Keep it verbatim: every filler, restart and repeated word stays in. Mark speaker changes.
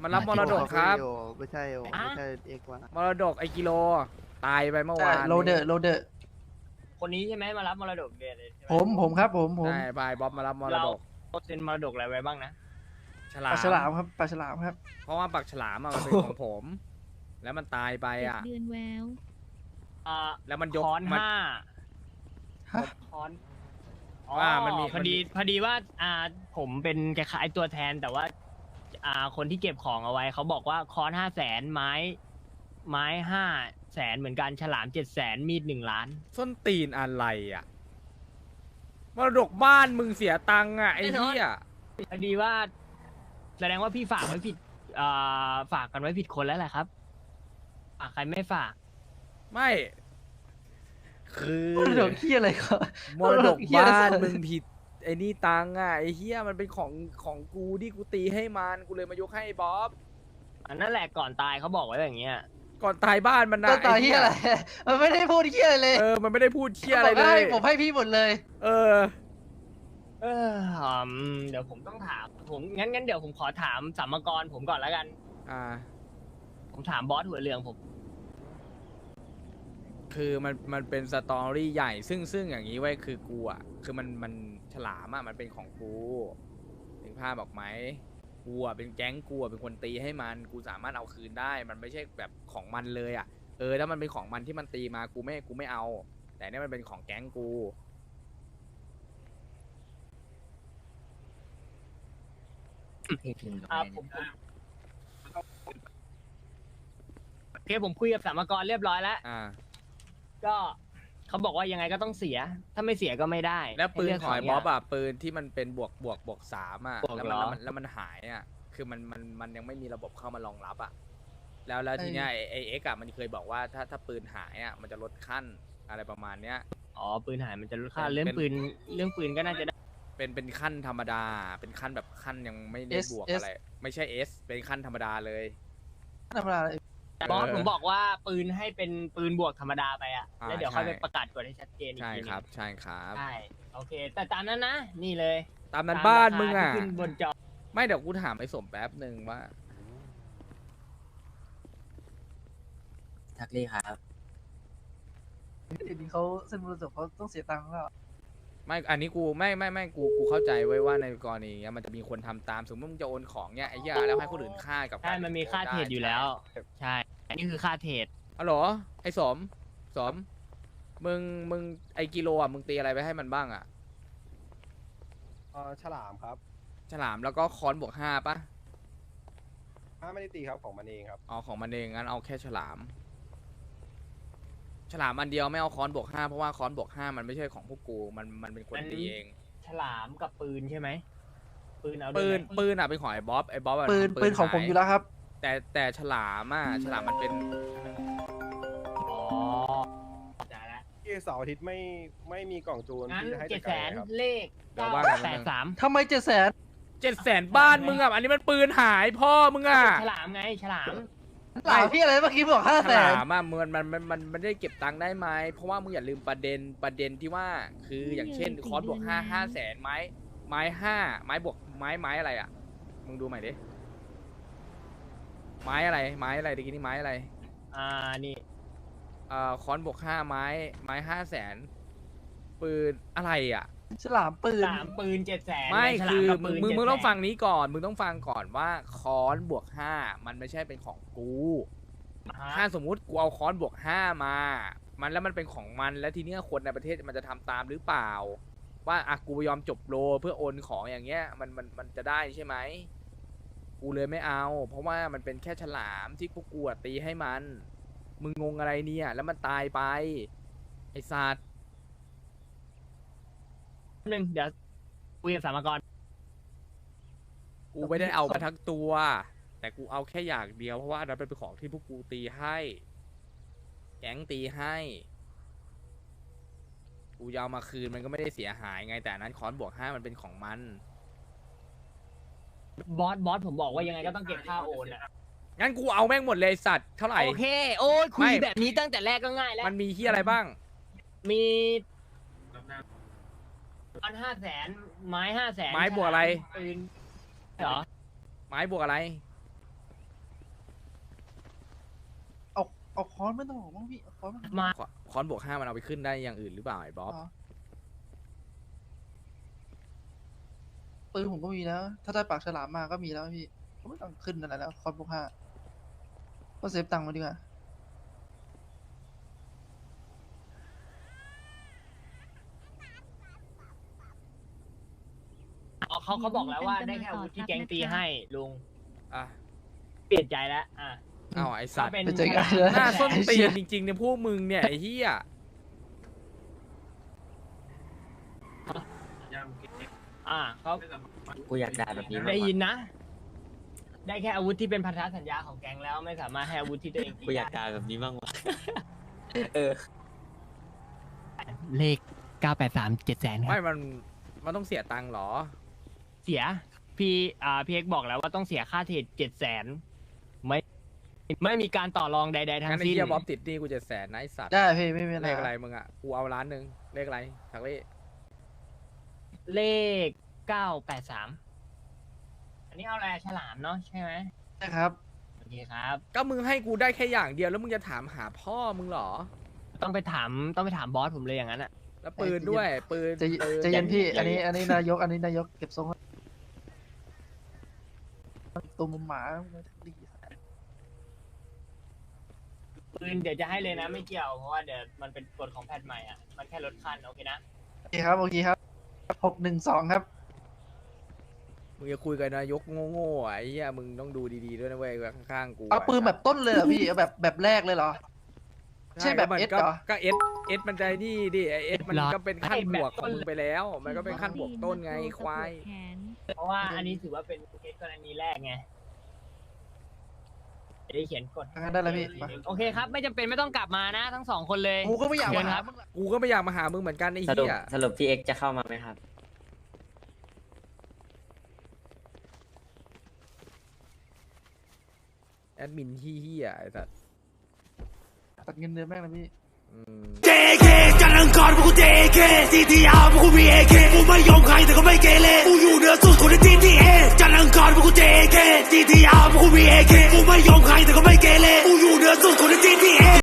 Speaker 1: มันรับมรดกครับ
Speaker 2: ไม่ใช่โอไม่ใช่เอกว่าม
Speaker 1: รดกไอกิโลตายไปเมื่อ
Speaker 3: ใช่
Speaker 1: วาน
Speaker 3: โรเดอร์โรเดอร์
Speaker 4: คนนี้ใช่ไหมมารับมรดกเดือนเลยใช่ไห
Speaker 3: ผมผมครับผมผม
Speaker 1: ใช่บายบ๊อบมารับมร
Speaker 4: เรา
Speaker 1: ดก
Speaker 4: เซ็นมรดกอะไรไว้บ้างนะ
Speaker 1: ฉลา
Speaker 3: ปลาม ฉลามครับปลาฉลามครับ
Speaker 1: เพราะว่าปักฉลามอะมันเป็นของผม แล้วมันตายไป
Speaker 5: เจ็ด
Speaker 1: อ่ะ
Speaker 5: เดือนแวว
Speaker 4: อ่า
Speaker 1: แล้วมันยก
Speaker 4: ค้อน
Speaker 1: มัน
Speaker 4: ห้า
Speaker 3: ฮะ
Speaker 4: ค้อน
Speaker 1: ว่ามันมี
Speaker 4: พอดีพอดีว่าอ่าผมเป็นคล้ายๆตัวแทนแต่ว่าอ่าคนที่เก็บของเอาไว้เขาบอกว่าค้อนห้าแสนไม้ ไม้ห้าแสนเหมือนกันฉลามเจ็ดแสนมีดหนึ่งล้าน
Speaker 1: ส้นตีนอะไรอ่ะมรดกบ้านมึงเสียตังค์อ่ะไอ้เหี้ย
Speaker 4: พอดีว่า แสดงว่าพี่ฝากไว้ผิดอ่าฝากกันไว้ผิดคนแล้วแหละครับฝากใครไม่ฝาก
Speaker 1: ไม่ คือ
Speaker 3: มรดกที่อะไรก็
Speaker 1: มรดกบ้านมึงผิดไอ้นี่ตังค์อ่ะไอ้เหี้ยมันเป็นของของกูที่กูตีให้มันกูเลยมายกให้บ๊อบ
Speaker 4: อันนั่นแหละก่อนตายเขาบอกไว้อย่างเงี้ย
Speaker 1: ก่อนตายบ้านมันนะ
Speaker 3: ก็ตาย
Speaker 1: ไอ้
Speaker 3: ที่
Speaker 1: เหี้ย
Speaker 3: อะไร มันไม่ได้พูดที่อะไรเลย
Speaker 1: เออมันไม่ได้พูดเหี้ยอะไร
Speaker 3: บก
Speaker 1: เล
Speaker 3: ให้
Speaker 1: ย
Speaker 3: ผมให้พี่หมดเลย
Speaker 1: เออ
Speaker 4: เอออืมเดี๋ยวผมต้องถามผมงั้นงั้นเดี๋ยวผมขอถามสัมมกรผมก่อนแล้วกัน
Speaker 1: อ่า
Speaker 4: ผมถามบอสหัวเรืองผม
Speaker 1: คือมันมันเป็นสตอรี่ใหญ่ซึ่งซึ่งอย่างนี้ไว้ยคือกูอ่ะคือมันมันฉลามอ่ะมันเป็นของกูถึงภาพบอกไหมกูอ่ะเป็นแก๊งกูอ่ะเป็นคนตีให้มันกูสามารถเอาคืนได้ มันไม่ใช่แบบของมันเลยอ่ะเออถ้ามันเป็นของมันที่มันตีมากูไม่กูไม่เอา แต่เนี่ยมันเป็นของแก๊งกู
Speaker 4: อ่าผมผมโอเคผมคุยกับสัมมกรเรียบร้อยแล้ว
Speaker 1: อ่า
Speaker 4: ก็เขาบอกว่ายังไงก็ต้องเสีย ถ้าไม่เสียก็ไม่ได้
Speaker 1: แล้วปืน
Speaker 4: ให้เลืก
Speaker 1: ของไอ้
Speaker 4: ส
Speaker 1: บ๊อบ
Speaker 4: ย่าง
Speaker 1: อ่ะปืนที่มันเป็นบวกบวกบวกสามอ่ะ
Speaker 4: บวก
Speaker 1: แล้ว
Speaker 4: เหร
Speaker 1: มัน
Speaker 4: อ
Speaker 1: แล้วมันแล้วมันหายอ่ะคือมันมันมันยังไม่มีระบบเข้ามารองรับอ่ะแล้วแล้ว
Speaker 3: ไอ้
Speaker 1: ทีเนี้ยไอ้ไอเอ็กซ์อ่ะมันเคยบอกว่าถ้าถ้าปืนหายอ่ะมันจะลดขั้นอะไรประมาณเนี้ย
Speaker 4: อ๋อปืนหายมันจะลดค่า
Speaker 1: เป็น
Speaker 4: เรื่อง
Speaker 1: เป็น
Speaker 4: ปืนเรื่องปืนก็น่าจะได้
Speaker 1: เป็นเป็นขั้นธรรมดา เป็นขั้นแบบขั้นยังไม่ได้
Speaker 3: S
Speaker 1: บวก
Speaker 3: S
Speaker 1: อะไร ไม่ใช่เอสเป็นขั้นธรรมดาเลย
Speaker 3: ธรรมดาเลย
Speaker 4: แต่บอส
Speaker 1: เออ
Speaker 4: ผมบอกว่าปืนให้เป็นปืนบวกธรรมดาไปอะ
Speaker 1: อ่า
Speaker 4: แล้วเดี๋ยวค่อย
Speaker 1: ใช่
Speaker 4: ไปประกาศกฎให้ชัดเจนอีก
Speaker 1: ใช่
Speaker 4: ทีหนึ
Speaker 1: ครับ
Speaker 4: ง
Speaker 1: ใช่ครับ
Speaker 4: ใช่โอเค แต่ตามนั้นนะ นี่เลย
Speaker 1: ตามนั้น
Speaker 4: ต
Speaker 1: บ้าน
Speaker 4: รค
Speaker 1: มึงอ่ะ
Speaker 4: ที่ขึ้นบนจอ
Speaker 1: ไม่เดี๋ยวกูถามไอ้สมแป๊บหนึ่งว่า
Speaker 6: ทักลี่ครับ
Speaker 3: เดี๋ยวนี้เขาเส้นมรดกเขาต้องเสียตังค์แล้ว
Speaker 1: ไม่ อันนี้กูไม่ไม่ไม่กูกูเข้าใจไว้ว่าในกรณีเนี้ยมันจะมีคนทำตามสมมติมึงจะโอนของเนี้ยไอ้เหี้ยแล้วให้คนอื่นฆ่ากับ
Speaker 4: ใช่ มันมีค่าเทรดอยู่แล้ว ใช่ อันนี้คือค่าเทรด
Speaker 1: อ๋อเหรอไอ้สมสมมึงมึงไอ้กิโลอ่ะมึงตีอะไรไปให้มันบ้างอ่ะ
Speaker 2: เออฉลามครับ
Speaker 1: ฉลามแล้วก็ค้อนบวกห้าปะ
Speaker 2: ถ้าไม่ได้ตีครับของมันเองครับ
Speaker 1: อ๋อของมันเองงั้นเอาแค่ฉลาม ฉลามอันเดียวไม่เอาค้อนบวกห้าเพราะว่าค้อนบวกห้ามันไม่ใช่ของพวกกูมันมันเป็นคน
Speaker 4: มัน
Speaker 1: ตีเอง
Speaker 4: ฉลามกับปืนใช่ไหม ปืนเอาด้วย
Speaker 1: ปืน
Speaker 4: ไหม
Speaker 1: ปืนอ่ะเป็นของไอ้บ๊อบไอ้บ๊อบอะ
Speaker 3: ปืน
Speaker 1: ทำ
Speaker 3: ปืนของผม
Speaker 1: หา
Speaker 3: อยู่แล้วครับ
Speaker 1: แต่แต่ฉลามอ่ะฉลามมันเป็น
Speaker 4: อ๋อจ่ายละ
Speaker 2: ที่เสาร์อาทิตย์ไม่ไม่มีกล่องจูน
Speaker 4: งั้น
Speaker 2: ที่จะให้
Speaker 4: เจ็
Speaker 2: จั
Speaker 4: ด
Speaker 2: ด
Speaker 4: แส
Speaker 2: การ
Speaker 4: น
Speaker 2: ครับ
Speaker 4: เลข
Speaker 1: เดี๋ยว
Speaker 4: เก้า
Speaker 1: ว่ากัน
Speaker 4: แปดสาม
Speaker 3: ทำไมเจ็ดแสน
Speaker 1: เจ็ดแสนบ้านมึงอ่ะอันนี้มันปืนหายพ่อมึงอ่ะ
Speaker 4: ฉลามไง ฉลาม
Speaker 3: หลายพี่อะไรเมื่อกี้บอกห้า
Speaker 1: ฉ
Speaker 3: แส
Speaker 1: ลาน มอ่ะมันมันมันมันมันได้เก็บตังค์ได้ไหมเพราะว่ามึงอย่าลืมประเด็นประเด็นที่ว่า คืออย่างเช่นคอร์สบวกห้าห้าแสนไม้ไม้ห้าไม้บวกไม้ไม้อะไรอ่ะมึงดูใหม่ดิไม้อะไรไม้อะไรตะกี้นี่ไม้อะไร
Speaker 4: อ่า นี่
Speaker 1: เอ่อคอนบวกห้าไม้ไม้ห้าแสนปืนอะไรอ่ะ
Speaker 3: ฉลามปื
Speaker 4: ฉ
Speaker 3: น
Speaker 4: ลามปืนเจ็ดแสน
Speaker 1: ไม่
Speaker 4: ฉ
Speaker 1: คือ
Speaker 4: ลามกับ
Speaker 1: มึ
Speaker 4: ปื
Speaker 1: ง
Speaker 4: น
Speaker 1: มึงมึง
Speaker 4: เจ็ดแสน
Speaker 1: ต้องฟังนี้ก่อนมึงต้องฟังก่อนว่าคอนบวกห้ามันไม่ใช่เป็นของกู
Speaker 4: อ่าฮะ
Speaker 1: ถ้าสมมุติกูเอาคอนบวกห้ามา มันแล้วมันเป็นของมันแล้วทีเนี้ยคนในประเทศมันจะทำตามหรือเปล่า ว่าอ่ะกูยอมจบโลเพื่อโอนของอย่างเงี้ยมันมันมันจะได้ใช่ไหมกูเลยไม่เอา เพราะว่ามันเป็นแค่ฉลามที่พวกกูอะตีให้มัน มึงงงอะไรเนี่ยแล้วมันตายไปไอ้สัตว์
Speaker 4: หนึ่งเดี๋ยวคุยกับสามกร
Speaker 1: กูไม่ได้เอามาทั้งตัว แต่กูเอาแค่อย่างเดียวเพราะว่าอันนั้นเป็นของที่พวกกูตีให้ แก๊งตีให้ กูยาวมาคืนมันก็ไม่ได้เสียหายไง แต่อันนั้นคอนบวกห้ามันเป็นของมัน
Speaker 4: บอสบอสผมบอกว่ายังไงก็ต้องเก็บค่าโอนอะ
Speaker 1: งั้นกูเอาแม่งหมดเลยสัตว์เท่าไหร่
Speaker 4: โอเค โอ้ยคุ
Speaker 1: ไม่
Speaker 4: ยแบบนี้ตั้งแต่แรกก็ง่ายแล้ว
Speaker 1: มันมีที่อะไรบ้าง
Speaker 4: มีอันห้าแสนไม้ห้าแสน
Speaker 1: ไม้บวกอะไร
Speaker 4: ปืนเหรอ
Speaker 1: ไม้บวกอะไร
Speaker 3: เอาค้อนไม่ต้องบอกมั้งพี่เอาค้อนมา
Speaker 4: มา
Speaker 1: ขอคอนบวกห้ามันเอาไปขึ้นได้อย่างอื่นหรือเปล่าไอ้บ๊อบ
Speaker 3: อ๋อปืนผมก็มีแล้ว ถ้าได้ปากฉลามมาก็มีแล้วพี่ก็ไม่ต้องขึ้นอะไรแล้วค้อนพวกห้าก็เซฟตังค์มาดีกว่า
Speaker 4: อ๋อเขาเขาบอกแล้วว่าได้แค่อาวุธที่แก๊งตีให้ลุง
Speaker 1: อ่ะ
Speaker 4: เปลี่ยนใจแล้วอ่ะ
Speaker 1: เอาไอ้สัตว์
Speaker 4: เป็น
Speaker 3: เป็นใจกันเลย
Speaker 1: หน้าส้นตีนจริงๆเนี่ยพวกมึงเนี่ยไอ้เหี้ย
Speaker 4: อ่ะเขา
Speaker 6: กูอยากได้แบบนี้มาก
Speaker 4: ได้
Speaker 6: กว่า
Speaker 4: ยินนะ ได้แค่อาวุธที่เป็นพันธสัญญาของแก๊งแล้วไม่สามารถให้อาวุธที่ตัวเองตี
Speaker 6: กูอยาก
Speaker 4: ได้
Speaker 6: ได้แบบนี้มากกว่า เออ
Speaker 4: เลขเก้าแปดสามเจ็ดแสนค
Speaker 1: ไม่
Speaker 4: รับ
Speaker 1: มันมันต้องเสียตังค์เหรอ
Speaker 4: เสียพี่อ่าพี่เอกบอกแล้วว่าต้องเสียค่าเทรดเจ็ดแสนไม่ไม่มีการต่อรองใดๆทั้
Speaker 1: งั้
Speaker 4: ง
Speaker 1: นไอ้
Speaker 4: สิ้น
Speaker 1: เหี้ยบ๊อบติดหนี่กูจะแสนนะไอ้สัตว์
Speaker 3: ได้พี่ไม่มีอะไร
Speaker 1: เลขอะไรมึงอ่ะกูเอาล้านหนึ่งเลขอะไรทักเลข
Speaker 4: เลขเก้าแปดสามอันนี้เอาอะไรฉลามเนาะใช่ไหม
Speaker 3: นะครับ
Speaker 4: โอเคครับ
Speaker 1: ก็มึงให้กูได้แค่อย่างเดียวแล้วมึงจะถามหาพ่อมึงเหรอ
Speaker 4: ต้องไปถามต้องไปถามบอสผมเลยอย่างนั้นอ่ะ
Speaker 1: แล้วปืนด้วยปืน
Speaker 3: ใจะ
Speaker 1: ปืน
Speaker 3: จะเย็นพี่ อันนี้ อันนี้นายก อันนี้นายกเก็บทรงไว้ตัวมุมหมาดี
Speaker 4: ปืนเดี๋ยวจะให้เลยนะไม่เกี่ยวเพราะว่าเดี๋ยวมันเป็นกฎของแพทใหม่อ่ะมันแค่ลดขั้นโอเคนะ
Speaker 3: โอเคครับ โอเคครับหกหนึ่งสองครับ
Speaker 1: มึงจะคุยกับนายกโง่ๆอ่ะไอ้เหี้ยมึงต้องดูดีๆด้วยนะเว้ยข้างๆกู
Speaker 3: เอาปืนแบบต้นเลยเหรอพี่เอาแบบแบบแรกเลยเหรอ ใช่แบบ
Speaker 1: มัน
Speaker 3: เอส
Speaker 1: ก็
Speaker 3: เหรอ
Speaker 1: ก็เอสเอสมันใจนี่ดิไอเอสมัน
Speaker 4: หรอ
Speaker 1: ก็เป็นขั้น
Speaker 4: ไอ้
Speaker 1: บ
Speaker 4: แบบ
Speaker 1: วกของมึงไปแล้ว มันก็เป็นขั้นบวกต้นไงควาย
Speaker 4: เพราะว่าอันนี้ถือว่าเป็นเคสกรณีแรกไงจะได้เขียนกฎ
Speaker 3: งั้นได้แล้วพี่มา
Speaker 4: โอเคครับ ไม่จำเป็นไม่ต้องกลับมานะ ทั้งสองคนเลย
Speaker 3: กูก็ไม่อยาก
Speaker 4: เชิ
Speaker 3: มา
Speaker 4: ญค
Speaker 3: หา
Speaker 4: รับ
Speaker 3: มึงละ
Speaker 1: กูก็ไม่อยากมาหามึงเหมือนกันไอ้
Speaker 6: สรุป
Speaker 1: เหี้ย
Speaker 6: สรุปพี่เอ็กซ์จะเข้ามาไหมครับ
Speaker 1: แอดมินเหี้ยๆไอ้สัส
Speaker 3: ตัดเงินเดือนแม่งนะพี่
Speaker 1: อืม
Speaker 5: เจ เค จันทร์อังคารพวกกู เจ เค ซี ที อาร์ พวกกู มี เอ เค กูไม่ยอมใครแต่ก็ไม่เกเรกูอยู่เหนือสุดคนใน จี ที เอ จันทร์อังคารพวกกู เจ เค ซี ที อาร์